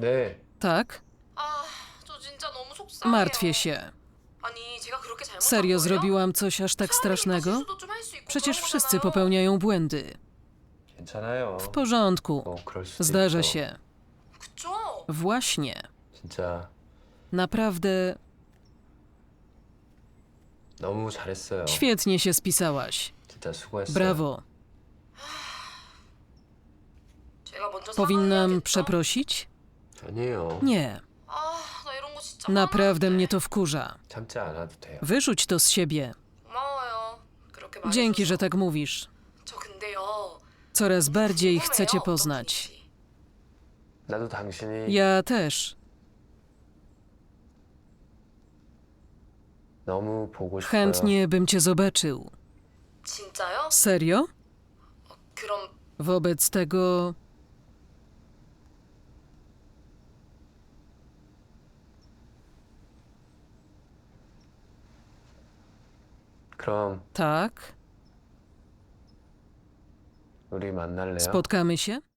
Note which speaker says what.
Speaker 1: 네.
Speaker 2: Tak?
Speaker 3: 아, 저 진짜 너무 속상해요.
Speaker 2: Martwię się.
Speaker 3: 아니, 제가 그렇게 잘못한
Speaker 2: Serio
Speaker 3: 거예요?
Speaker 2: zrobiłam coś aż tak strasznego?
Speaker 3: 실수도 좀 할 수 있고
Speaker 2: Przecież
Speaker 3: 그런
Speaker 2: wszyscy
Speaker 3: 거잖아요.
Speaker 2: popełniają błędy.
Speaker 1: 괜찮아요.
Speaker 2: W porządku.
Speaker 1: 그럴 수도
Speaker 2: Zdarza
Speaker 1: 있죠.
Speaker 2: się.
Speaker 3: 그쵸?
Speaker 2: Właśnie.
Speaker 1: 진짜
Speaker 2: Naprawdę
Speaker 1: 너무 잘했어요.
Speaker 2: świetnie się spisałaś.
Speaker 1: 진짜 수고했어요.
Speaker 2: Brawo.
Speaker 3: 제가 먼저
Speaker 2: Powinnam
Speaker 3: 사과해야겠죠?
Speaker 2: przeprosić?
Speaker 1: 아니에요.
Speaker 2: Nie.
Speaker 3: 아, 나 이런 거 진짜
Speaker 2: Naprawdę
Speaker 3: 화나는데.
Speaker 2: mnie to wkurza.
Speaker 1: 참지 않아도 돼요.
Speaker 2: Wyrzuć to z siebie.
Speaker 3: 고마워요. 그렇게 말해줘서.
Speaker 2: Dzięki, że tak mówisz.
Speaker 3: 저 근데요.
Speaker 2: Coraz bardziej
Speaker 3: 궁금해요,
Speaker 2: chcę cię
Speaker 3: 어떤
Speaker 2: poznać.
Speaker 3: 분인지.
Speaker 1: 나도 당신이
Speaker 2: Ja też.
Speaker 1: 너무 보고 싶어요.
Speaker 2: Chętnie bym cię zobaczył.
Speaker 3: 진짜요?
Speaker 2: Serio?
Speaker 3: 그럼
Speaker 2: Wobec tego...
Speaker 1: 그럼
Speaker 2: Tak?
Speaker 1: 우리 만날래요?
Speaker 2: Spotkamy się?